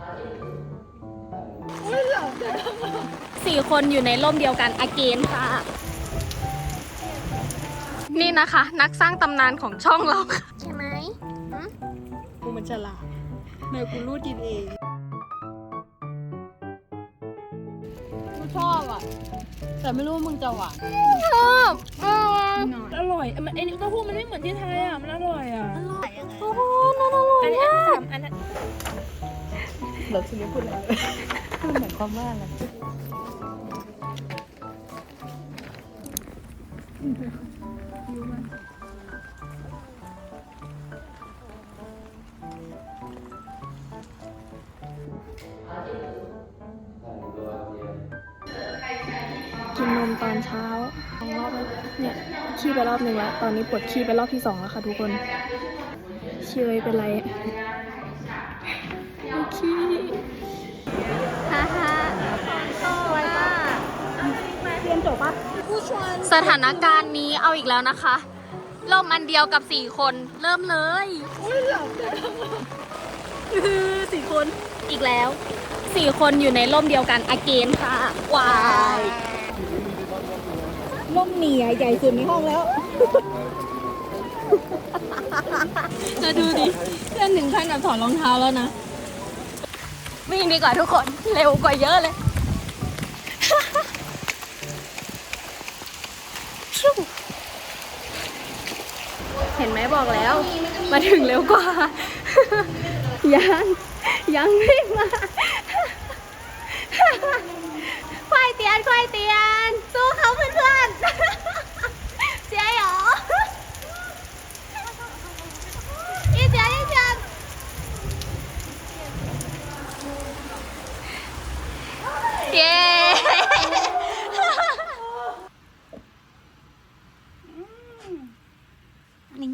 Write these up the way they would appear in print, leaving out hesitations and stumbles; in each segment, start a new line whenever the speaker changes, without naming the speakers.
4 คนอยู่ในร่มเดียวกันอาเกนค่ะ นี่นะคะ นักสร้างตำนานของช่องเราใช่ไหมกูมันฉลาดแมวกูรูดกินเองกูชอบอ่ะแต่ไม่รู้ว่ามึงจะหวานชอบอร่อยไอ้นี่เต้าหู้มันไม่เหมือนที่ไทยอ่ะมันอร่อยอ่ะโอ้โหน่าอร่อยมากอันนั้นเราจะไม่พูดอะไรเลยมันหมายความว่าอะไรกินนมตอนเช้า2 รอบเนี่ยขี้ไปรอบหนึ่งแล้วตอนนี้ปวดขี้ไปรอบที่ 2แล้วค่ะทุกคนเชยเป็นไรขี้ฮ่าฮ่าเรียนจบปะสถานการณ์นี้เอาอีกแล้วนะคะร่มอันเดียวกับ4 คนเริ่มเลย4 คนอีกแล้ว4 คนอยู่ในร่มเดียวกันอาเกนค่ะวายร่มเหนียใหญ่สุดในห้องแล้วจะดูดิเพื่อนถึงขั้นแบบถอดรองเท้าแล้วนะวิ่งดีกว่าทุกคนเร็วกว่าเยอะเลยเห็นไหมบอกแล้วมาถึงเร็วกว่ายังไม่มาควายเตียนสู้เขาเพื่อนเจ๊หรออีเจ๊เย้นี่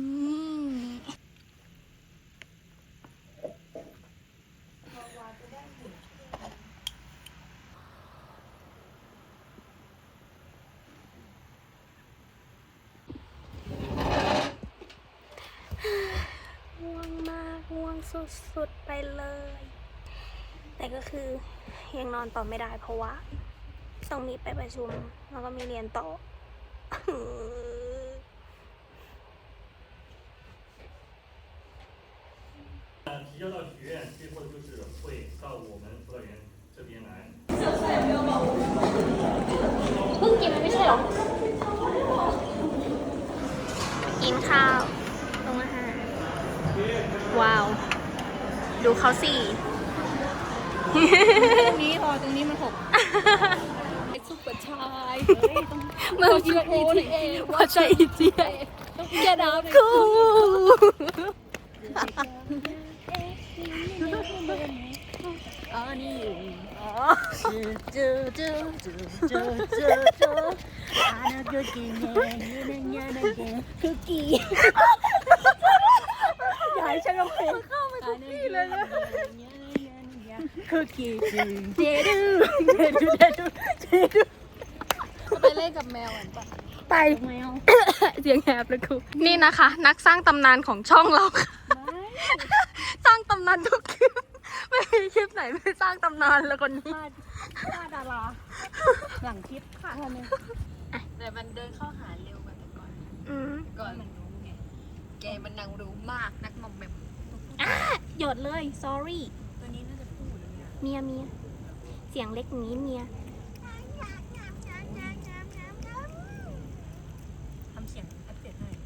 ง่วงมากง่วงสุดๆไปเลยแต่ก็คือยังนอนต่อไม่ได้เพราะว่าต้องมีไปประชุมแล้วก็มีเรียนต่อ
提交到学院，最后就是会到我们辅导员这边来。
เพิ่งกินไม่ใช่หรอกินข้าวโรงอาหารว้าวดูเขาสิตรงนี้พอตรงนี้มัน6ซุปเปอร์ชายมึงกินว่าใจอีเจียแกดาบคู่อ๋อนี่คุกกี้อย่าให้ฉันร้องเพลงเข้าไปคุกกี้เลยนะคุกกี้เจดูไปเล่นกับแมวอ่ะไปแมวเสียงแหบเลยครูนี่นะคะ นักสร้างตำนานของช่องเราสร้างตำนานทุกคลิปไม่มีคลิปไหนไม่สร้างตำนานแล้วคนนี้ฆ่าดาราหลังคลิปค่ะแต่มันเดินเข้าหาเร็วกว่าแต่ก่อนมันรู้ไงแกมันนางรู้มากนักมอมแมมหยดเลย sorry ตัวนี้น่าจะพูดเมียเสียงเล็กนี้เมียทำเสียงแอปเปิลให้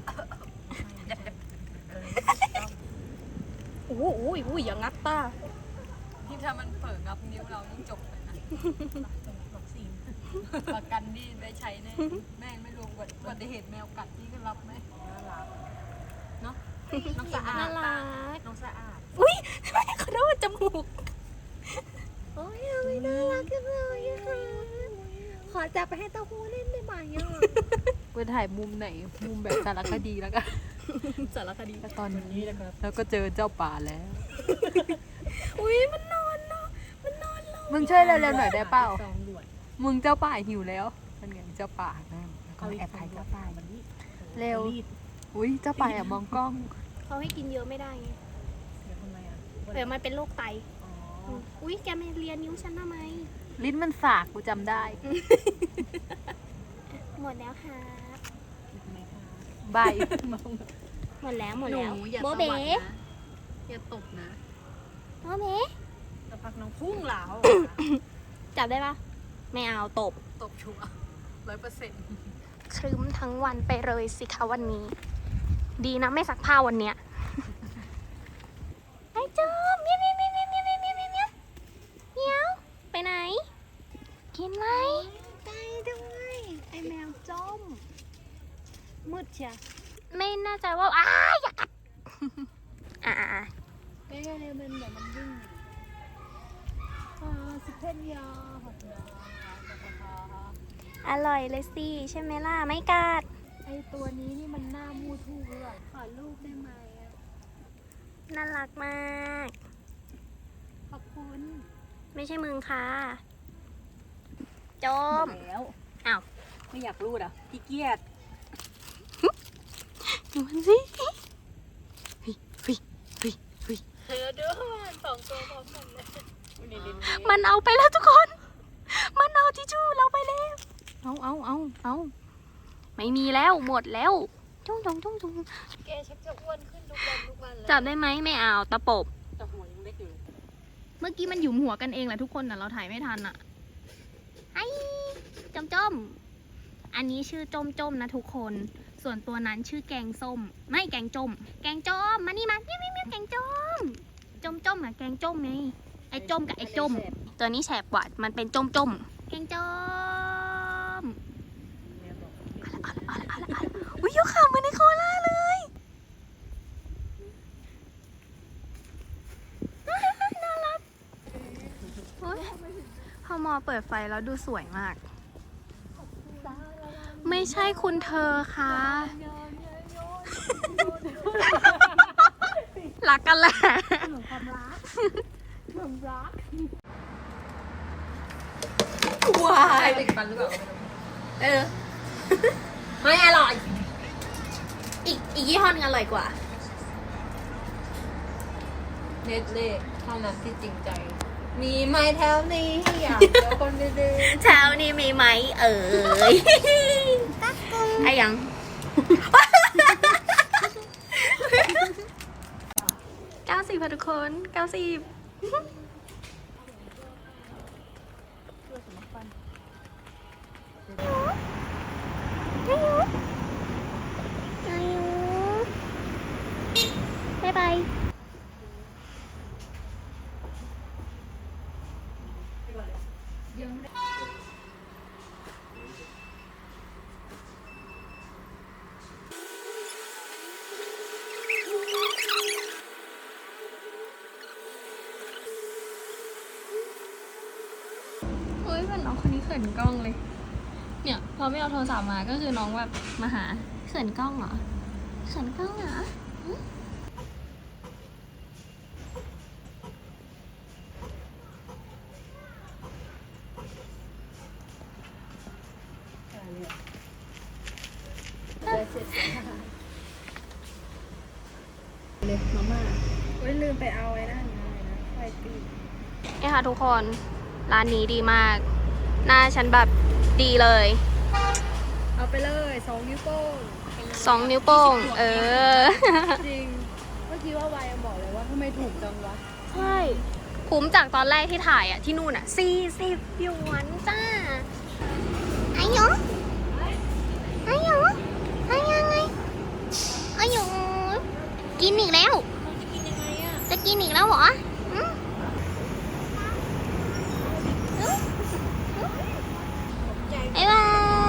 โอ้ยอย่างงัดตาที่ถ้ามันเผลองับนิ้วเรายิ่งจบเลยนะวัคซีนประกันนี่ได้ใช้แน่แม่งไม่รวมอุบัติเหตุแมวกัดนี่ก็รับไหมน่ารักเนาะน้องสะอาดน่ารักน้องสะอาดอุ้ยทำไมเขาโดนจมูกโอ้ยไม่น่ารักจังเลยค่ะขอจับไปให้เต้าหู้เล่นได้ไหมอ่ะไปถ่ายมุมไหนมุมแบบสารคดีแล้วกันสารคดีตอนนี้นะครับแล้วก็เจอเจ้าป่าแล้วอุ้ยมันนอนเนาะมันนอนแล้วมึงช่วยเร็วๆหน่อยได้เปล่ามึงเจ้าป่าหิวแล้วมันไงเจ้าป่านะแล้วก็แอบถ่ายเจ้าป่าเร็วอุ้ยเจ้าป่ามองกล้องเขาให้กินเยอะไม่ได้ไงเดี๋ยวทำไมอ่ะเดี๋ยวมันเป็นโรคไต
อุ๊ยแกไม่เรียนนิ้วฉันทำไม
ลิ้นมันสากกูจำได้
หมดแล้วครับ
ใบ
หมดแล้วหมด
หนู
แล้ว
อย่า
โบ
ต
เบ๋
วัดนะอย่าตบนะ
โบเบ๋
จะพักน้องพุ่งเหลา
จับได้ปะไม่เอาตบ
ตบชัว100%
ครึ้มทั้งวันไปเลยสิคะวันนี้ ดีนะไม่ซักผ้าวันเนี้ยไอ้จอมเมียวเมียวเมียวเมียวเมียวเมียวเมียวเมียวเมียวไปไหน กินไหม
ไปด้วยไอแมวจ้มมืดเชีย
ไม่แน่ใจว่าอย่ากัดอ่า
เอ๊ะมันแบบมันวิ่งสิเพนยาหดยา
อร่อยเลยสิใช่ไหมล่ะไม่กัด
ไอตัวนี้นี่มันหน้ามูทูเลยขอรูปได้ไหมอะ
น่ารักมาก
ขอบคุณ
ไม่ใช่มึงค่ะจม
แล้ว
อ้าว
ไม่อยากรูดอ่ะขี้เกียจ
ดูมันสิเ
เธอ
ฮ้ย
ด้วย2 ตัวพร้อมกันเลย
มันเอาไปแล้วทุกคน มันเอาทิชชู่เราไปแล้ว เอาไม่มีแล้วหมดแล้วจุ้ง
แกชักจะอ้วนขึ้นทุกวันแล้ว
จับได้ไหมไม่เอาตะปบ
แต่หัวยังเล็กอยู่
เมื่อกี้มันหยุมหัวกันเองแหละทุกคนแต่เราถ่ายไม่ทันอ่ะไอ้จมอันนี้ชื่อจมนะทุกคน ส่วนตัวนั้นชื่อแกงส้ม ไม่แกงจม แกงจมมานี่มาเมียวแกงจมอะแกงจมไงไอ้จมกับไอ้จม ตัวนี้แฉบกว่ามันเป็นจมแกงจมอะไรอุ้ยยกขาเหมือนในโคล่าเลยน่ารักโอ๊ยพอมอเปิดไฟแล้วดูสวยมาก ไม่ใช่คุณเธอคะรักกันแหละ วาย
ติดฟันหรือเปล่า
ไม่อร่อย อีกยี่ห้อนึงอร่อยกว่า
เน็ตเล่เท่านั้นที่จริงใจ มีไหมแถวนี้อยากเจอคนดี
เช้านี้มีไหมเอ่ยไอ้ยัง 90ค่ะทุกคน 90บ๊ายบาย เฮ้ยเป็นน้องคนนี้เขินกล้องเลย เนี่ยพอไม่เอาโทรศัพท์มาก็คือน้องแบบมาหาเขินกล้องเหรอเขินกล้องเหรอหึ
เลยมาม่าโอ้ยลืมไปเอาไว้นั่นไงนะไฟตี
เนี่ยค่ะทุกคนร้านนี้ดีมาก หน้าฉันแบบดีเลย
เอาไปเลย2 นิ้วโป้ง
2 นิ้วโป้ง
จริง เมื่อกี้ว่าวายยังบอกเลยว่าทำไมถูกจังวะ
ใช่คุ้มจากตอนแรกที่ถ่ายอ่ะที่นู่นอ่ะ40 หยวนจ้าไอ้หยงไอ้หยงไอ้ยังไงไอ้หยงกินอีกแล้ว จะกินอีกแล้วเหรออืมบ๊ายบาย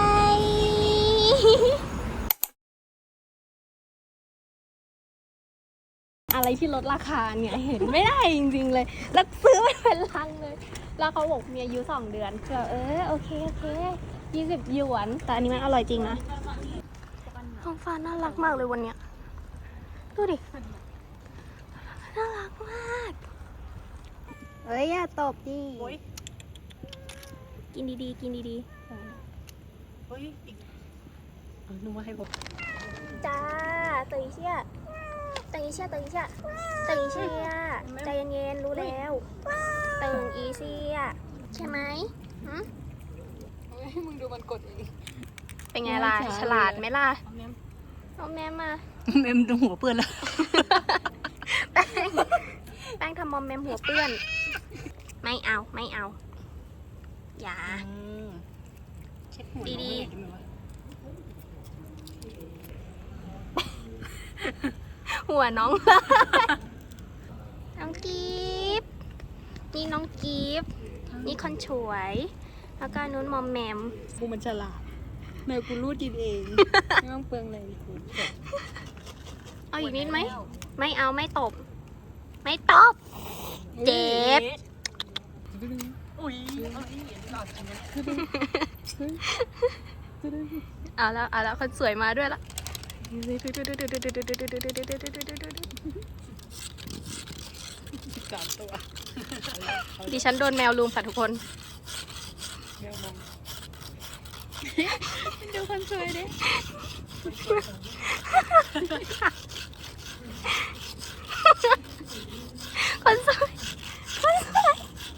อะไรที่ลดราคาเนี่ยเห็นไม่ได้จริงๆเลย แล้วซื้อไม่เป็นลังเลย แล้วเขาบอกมีอายุ2 เดือนก็โอเค20 หยวน แต่อันนี้มันอร่อยจริงนะท้องฟ้าน่ารักมากเลยวันเนี้ยดูดิ น่ารักมากเฮ้ยอย่าตบดิกินดีๆ กินดี
เฮ้ยอีกนึกว่าให้ผม
ๆ จ้า等一下ใจเย็นๆใจเย็นๆรู้แล้วเซียใช่ไหมหืม
ให้มึงดูมันกดเอง
เป็นไงล่ะ ฉลาดไหมล่ะเอาแม่มา
เมมตรงหัวเปื้อนแล้ว
แป้งทำมอมแมมหัวเปื้อน ไม่เอา ไม่เอา อย่า
เช็ดหัว
ดี หัวน้อง น้องกีฟนี่น้องกีฟนี่คนฉวย แล้วก็นู้นมอมแมม
กูมันฉลาดแมวกูรูดกินเอง ไม่ต้องเปลืองเลยกู
เอาอีกนิดไหม ไม่เอาไม่ตบ ไม่ตบ เจ็บ
อุ้ย
เอาแล้วคนสวยมาด้วยละ
13 ตัว
ดิฉันโดนแมวลุมค่ะทุกคน
แมวมองดูคนสวยดิ
คนสวยคนสวย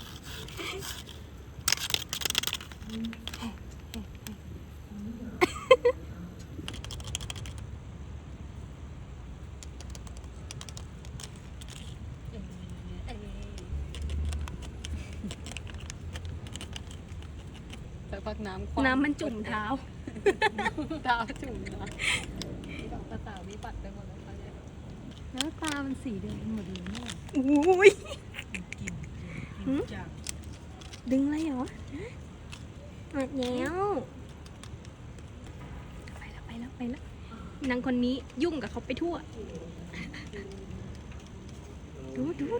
แต่พักน้ำ
น้ำมันจุ่มเท้า
เท้าจุ่มนะตาตาวิบัติไปหมดแล้วเนี่ยแล้วตามันสีแดงหมดเลยเนี่ย
อุ้ย หืม
จาก
ดึงอะไรเหรอหมดแล้วไปแล้วนางคนนี้ยุ่งกับเขาไปทั่ว ดู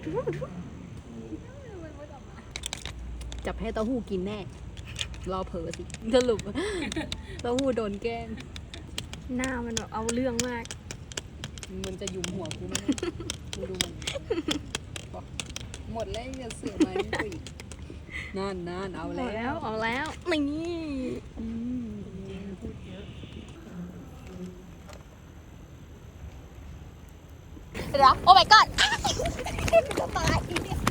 จับให้เต้าหู้กินแน่ รอเผลอสิสรุป เต้าหู้โดนแกล้ง
หน้ามันแบบเอาเรื่องมาก
มันจะยุมหัวกูไหมมึงดูมันบอกหมดแล้วอย่าเสือกมานี่กูอีกนั่นเอาแล้ว
เอาแล้วนี่
อืม
เดี๋ยวโอ้ my god จะตาย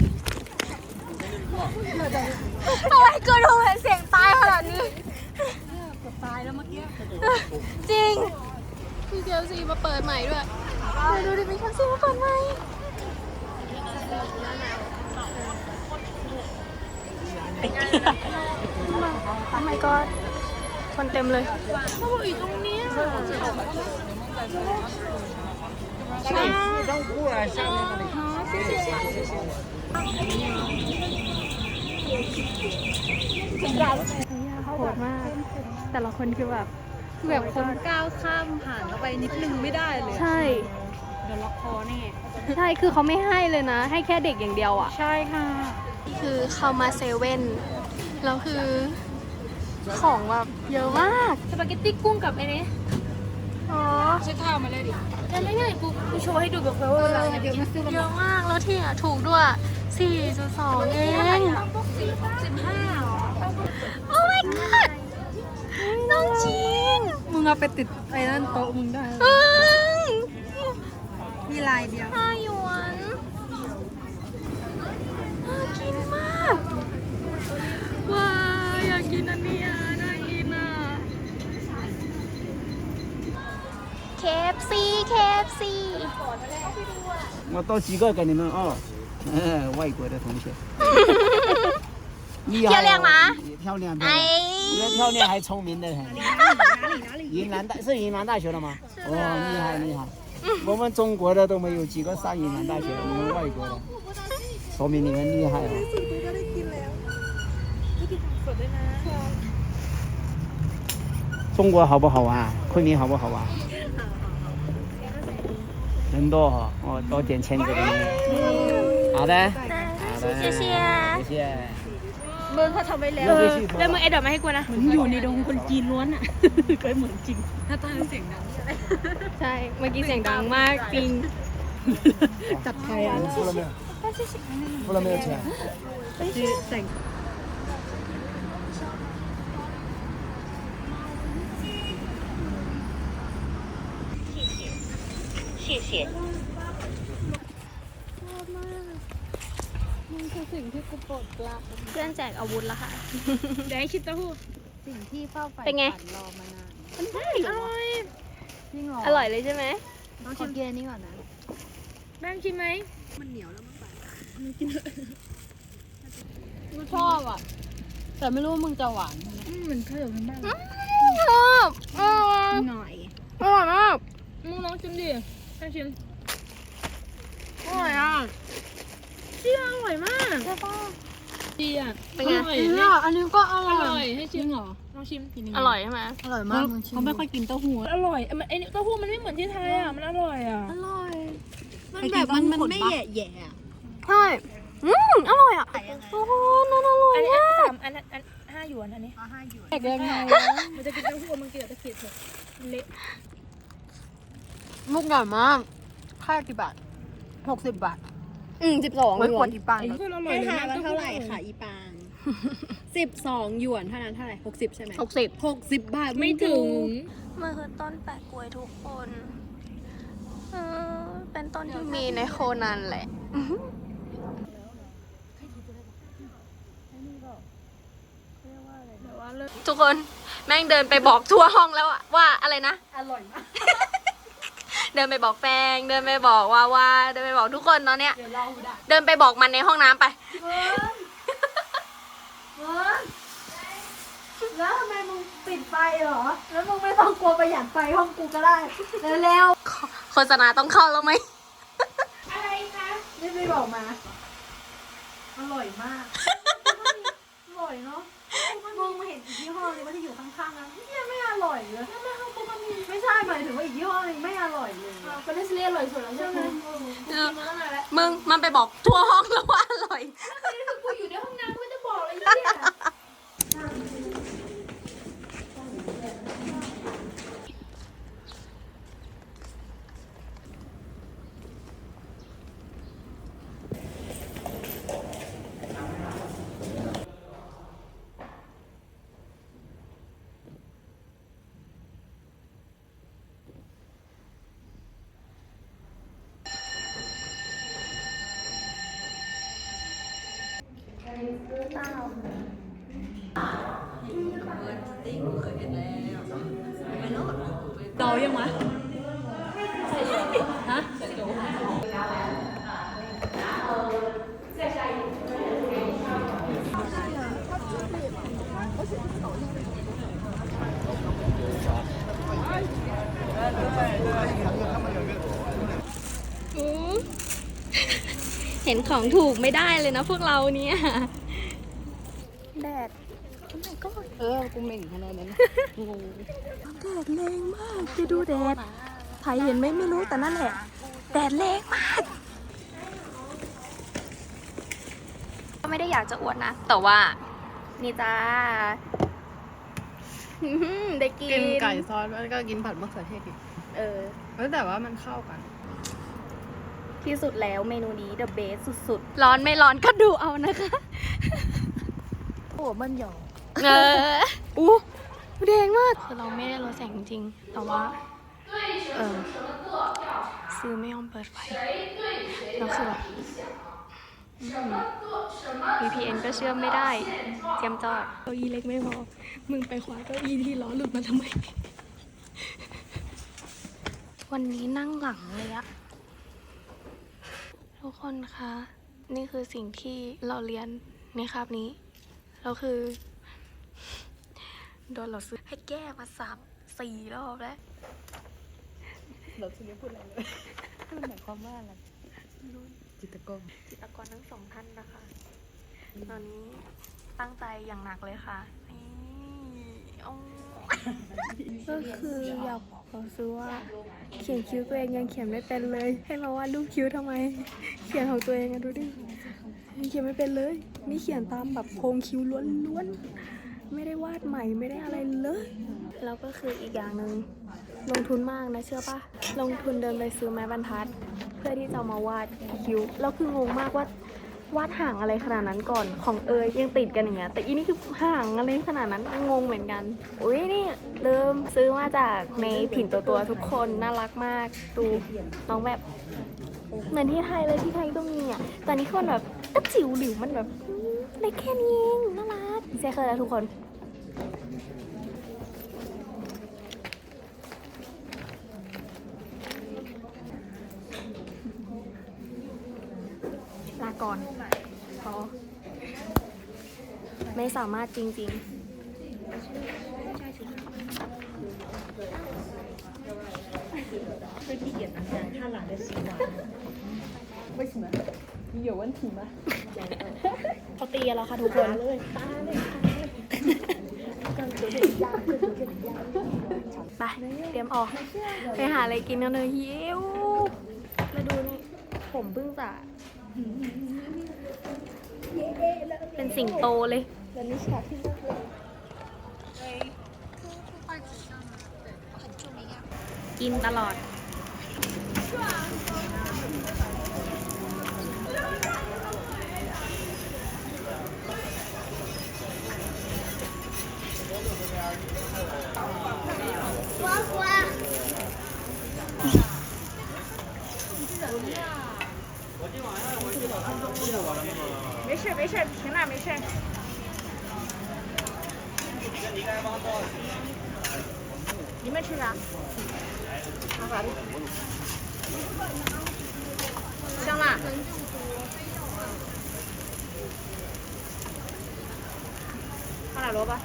ทำไมเกิดเห็นเสียงตายขนาดนี้
ตายแล้วเมื่อกี้
จริง มีเคลซีมาเปิดใหม่ด้วยดูดิมีเคลซีมาเปิดใหม่ โอ้ my god คนเต็มเลยเขาบอกอยู่ตรงนี้ใช่โหดมาก แต่ละคนคือแบบ
แบบคนก้าวข้ามผ่านเข้าไปนิดนึงไม่ได้เลย
ใช่
เดี๋ยวล็อกคอแน่
ใช่ คือเขาไม่ให้เลยนะ ให้แค่เด็กอย่างเดียวอ่ะ
ใช่ค่ะ
คือเข้ามาเซเว่นแล้วคือของแบบเยอะมาก
สปาเกตตี้กุ้งกับไอ้นี่
อ๋อ
ใช้เท้ามาเลยดิ
แล้วนี่ไงกูโชว์ให้ดูแบบว่าเวลาเนี่ย
เดี๋ยวมาซื้อกัน
เยอะมาก แล้วที่อ่ะถูกด้วย 4.2 เอง โอ้ my god น้องจีน
มึงเอาไปติดไอ้นั่นโต๊ะมึงได้
เอ้ย
มีลายเดียว
5 หยวนน่ากินมาก ว้าอยากกินอันนี้อ่ะน่ากินอ่ะ KFC KFC
我倒几个给你们啊，外国的同学，厉害、哦，
漂亮吗？
漂亮，漂
哎
亮，越漂亮还聪明的很。云南大是云南大学的吗？哦，厉害厉害，我们中国的都没有几个上云南大学的，你们外国的，说明你们厉害哦。中国好不好玩？昆明好不好玩？人多哈，哦，多点签字给你们。好的，好的，
谢谢
谢谢。
มึงเขาทำไว้แล้ว
要回去说
แล้วมึงไอ้ดอกมาให้กูนะ
มึงอยู่ในดงคนจีนล้วนอ่ะ เคยเหมือนจริง ถ้าตาเสียงดัง
ใช่ เมื่อกี้เสียงดังมากจริง
จับใครอ่ะ
付了没有？付了没有钱？
แต่ง
ม
มันคือสิ่งที่กูปลดปลัก
เพื่อนแจกอาวุธแล้วค่ะ
เดี๋ยวให้ชิมเต้าหู้
สิ่งที่เฝ้าไฟ
เป็นไง
ฝันรอมานาน
อร่อย
จริงเหรอ
อร่อยเลยใช่ไหม
ต้องชิมกินอันนี้ก่อนนะ
แม่งชิมไหม
กูชอบอ่ะ แต่ไม่รู้ว่ามึงจะหวาน
เหมือนเพิ่มมันบ้าง
ชอบอร่อย
หน่อย
อร่อยมาก
มึงลองชิมดิแม่งชิม
อร่อยอ่ะ
เชี่ยอร่อยมาก
ใช่ป่ะ
ดีอ่ะ
เป็นไง
อร่อย
เนี่ยอันนี้ก็อ
อ
ร่อย
ร่อยให้
จ
ชิ
ริ
ม
งเหรอ
ลองชิมทีนึง
อร่อยใช่ไหม
อร่อยมากเขาไม่ค่อยกินเต้าหู้
อร่อยไอ้นี่เต้าหู้มันไม่เหมือนที่ไทยอ่ะมันอร่อยอ่ะ
อร่อย มันแบบมันไม่แย่แย่
ใช่อร่อยอ่ะโอ้โหนั่นอร่อย
อันนี้
มาก
3อัน5 หยวนอันนี้
แย่ยังไง
มันจะกินเต้าหู้มันกินแต่ตะเกียบเลยเละ
มุกใหญ่มากค่ากี่บาท60 บาท
12
ไว้กดอีปัง
เพื่อนอร่อย
ให้
เลย
ทายว่าเท่าไหร่ค่ะอีปาง 12 หยวนเท่านั้นเท่าไหร่ 60 ใช่ไหม
60
60 บาท
ไม่ถึง
มันคือต้นแปะกล้วยทุกคนเป็นต้นที่มีในโคนันแหละ ทุกคนแม่งเดินไปบอกทั่วห้องแล้วอะว่าอะไรนะ
อร่อยมาก
เดินไปบอกแป้งเดินไปบอกว่าเดินไปบอกทุกคนตอนเนี้ย
เดี๋ยวเราได้
เดินไปบอกมันในห้องน้ำไป
แล้วทำไมมึงปิดไฟเหรอ แล้วมึงไม่ต้องกลัวประหยัดไฟห้องกูก็ได้ เร็ว
โฆษณาต้องเข้าแล้วไหม
ๆรีบๆบอกมา อร่อยมาก อร่อยเนาะมึงมาเห็นอีกยี่ห้อนึงว่าที่อยู่ข้างๆนั้นเนี่ยไม่อร่อยเลยไม่ใช่หมายถึงว่าอีกยี่ห้อนึงไม่อร่อยเลย
เป็นเลสเลียอร่อยสุดแล้วใช่ไหม
มึงมันไปบอกทั่วห้องแล้วว่าอร่อย
กูอยู่ในห้องน้ำกูจะบอกอะไรเนี่ย
เดายังวะฮะ
เห็นของถูกไม่ได้เลยนะพวกเราเนี่ยแดด
กูเหม่งขนาดนั้น
แดดแรงมากจะดูแดดถ่ายเห็นไหมไม่รู้แต่นั่นแหละ แดดแรงมากก็ไม่ได้อยากจะอวดนะ แต่ว่า นี่จ้าได้กิน
กินไก่ซอสแล้วก็กินผัดมะเขือเทศอีก แต่ว่ามันเข้ากัน
ที่สุดแล้วเมนูนี้ the best สุดๆ ร้อนไม่ร้อนก็ดูเอานะคะ
โอ้มันหยอก
อู้แดงมากคือเราไม่ได้ลดแสงจริงๆแต่ว่าซื้อไม่ยอมเปิดไฟแล้วคือแบบ VPN ก็เชื่อมไม่ได้เตรียมจอดเก้าอี้เล็กไม่พอ มึงไปคว้าเก้าอี้ที่ล้อหลุดมาทำไม วันนี้นั่งหลังเลยอะทุกคนคะ นี่คือสิ่งที่เราเรียนในคาบนี้แล้วคือ โดนเราซื้อให้แก้มา3-4 รอบแล้ว
เราจะไม่พูดอะไรเลยมันหมายความว่าอะไรจิตรกร
จิตรกรทั้ง2 ท่านนะคะ ตอนนี้ตั้งใจอย่างหนักเลยค่ะนี่ก็คืออยากบอกเขาซื้อว่า เขียนคิ้วตัวเองยังเขียนไม่เป็นเลย ให้มาวาดรูปคิ้วทำไม เขียนของตัวเองอะดูดิยังเขียนไม่เป็นเลย นี่เขียนตามแบบโครงคิ้วล้วนๆ ไม่ได้วาดใหม่ไม่ได้อะไรเลย แล้วก็คืออีกอย่างหนึ่งลงทุนมากนะเชื่อปะลงทุนเดินไปซื้อไม้บรรทัด เพื่อที่จะมาวาดคิ้วแล้วคืองงมากว่าวาดห่างอะไรขนาดนั้นก่อนของเอยยังติดกันอย่างเงี้ยแต่อีนี่คือห่างอะไรขนาดนั้นงงเหมือนกันอุ้ยนี่เริ่มซื้อมาจากในผิ่นตัวทุกคนน่ารักมากดูน้องแบบเหมือนที่ไทยเลยที่ไทยก็มีอ่ะแต่นี่คนแบบก็จิ๋วหลิวมันแบบเล็กแค่นี้เองน่ารักเซเคยแล้วทุกคนลาก่อนพอไม่สามารถจริงๆเขาตีกันแล้วค่ะทุกคนไปเตรียมออกไปหาอะไรกินกันเลยหิวแล้วดูนี่ผมเพิ่งจะเป็นสิงโตเลยกินตลอด
没事没事，停了没事。你们吃啥？香辣。放点萝卜，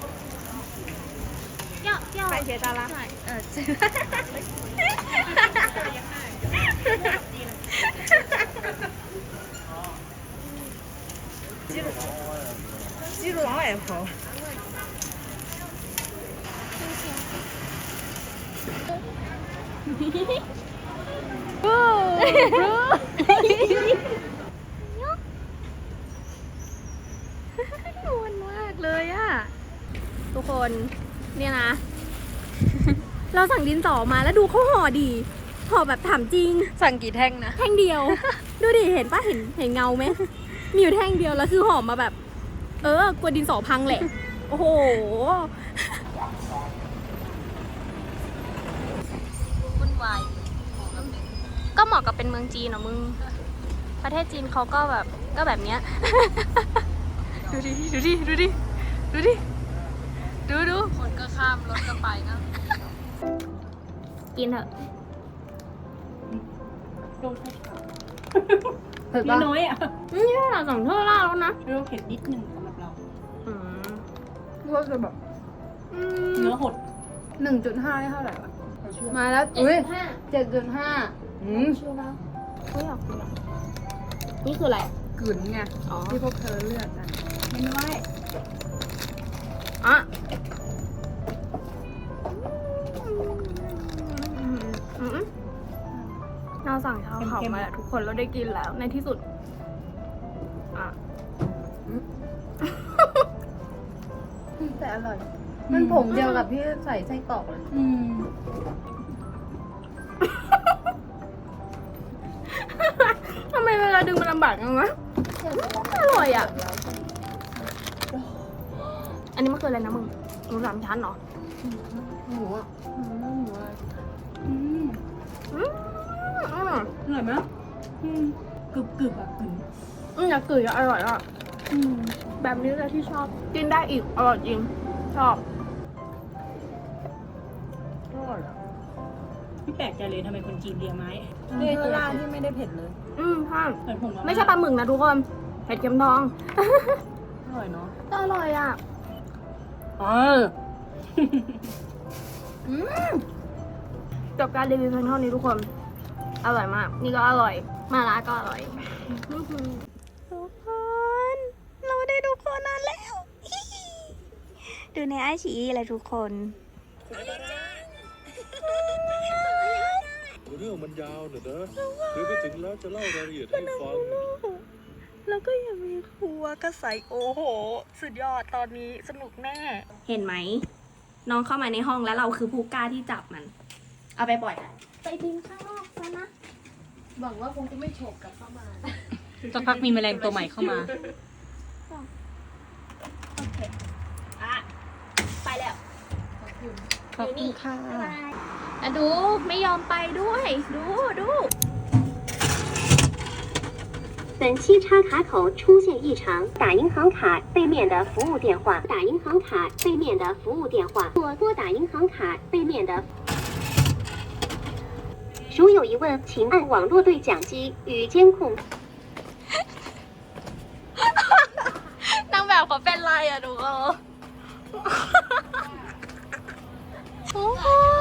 要
番茄沙拉。记住往外跑。
มันมากเลยอะทุกคนเนี่ยนะ เราสั่งดินสอมาแล้วดูเขาห่อดีห่อแบบถามจริง
สั่งกี่แท่งนะ
แท่งเดียว ดูดิเห็นปะเห็นเงาไหมมีอยู่แท่งเดียวแล้วคือห่อมาแบบ กลัวดินสอพังแหละ โอ้โหวุ่นวายก็เหมาะกับเป็นเมืองจีนเหรอมึง ประเทศจีนเขาก็แบบเนี้ย ดูดิดู
คนก็ข้ามรถก็ไปนะ
กินเถอะ
เผ็ดน้อยอ่ะ
นี่เราสั่งเท่าล่าแล้วนะ
เราเผ็ดนิดนึงสำหรับเรา
ก็คือแบบ
เนื้อหด
1.5ได้เท่าไหร่วะ
มาแล้วอุ้ย
7.5
ไม่อยากกินอ่ะนี่คืออะไร
กลืนไง
อ๋อ
ที่พวกเธอเลือกกัน
ไม่น้อย
อ่ะเราสั่งชาวเขามาแล้วทุกคนเราได้กินแล้วในที่สุด อ่ะ
แต่อร่อย มันผงเดียวกับที่ใส่ไส้กรอกเลย
ทำไมเวลาดึงมันลำบากจังวะอร่อยอ่ะ อันนี้มันคืออะไรนะมึงหมูสามชั้นเหรอ
หมูอ่ะ
อร่อย
อร่อยไหมกรึบอ่ะกรึบ
อยากกลืนอร่อยอ่ะแบบนี้เลยที่ชอบ กินได้อีก อร่อยจริง ชอบ
พี่แปลกใจเลยทำไมคนจีนเลียไม้
เนื้อล่างที่ไม่ได้เผ็ดเลย
ใช่
เหมือนผม
ไม่ใช่ปลาหมึกนะทุกคนเผ็ดเค็มทอง
อร่อยเนาะ
แต่อร่อยอ่ะ จบการรีวิวเพียงเท่านี้ทุกคน อร่อยมาก นี่ก็อร่อย มาลาก็อร่อย ทุกคน เราได้ดูโคนันแล้ว ดูในไอชีอะไรทุกคน
เรื่องมันยาวหน่อยนะเดี๋ยวไปถึงแล้วจะเล่ารายละเอียดให้ฟัง
แล้วก็ยังมีครัวกระใสโอ้โห สุดยอดตอนนี้สนุกแน่ เห็นไหม น้องเข้ามาในห้องแล้วเราคือผู้กล้าที่จับมัน เอาไปปล่อยไปทิ้งข้างนอกซะนะ
หวังว่าคงจะไม่โฉบกลับเข้ามา
สักพักมีแมลงตัวใหม่เข้ามา
โอเค อ่ะ ไปแล้ว
ขอบคุณค่ะ
อะดูไม่ยอมไปด้วย ดู
本期插卡口出现异常，打银行卡背面的服务电话，打银行卡背面的服务电话，或拨打银行卡背面的。如有疑问，请按网络对讲机与监控。
นางแบบเขาเป็นไรอะดูเขาทุกคน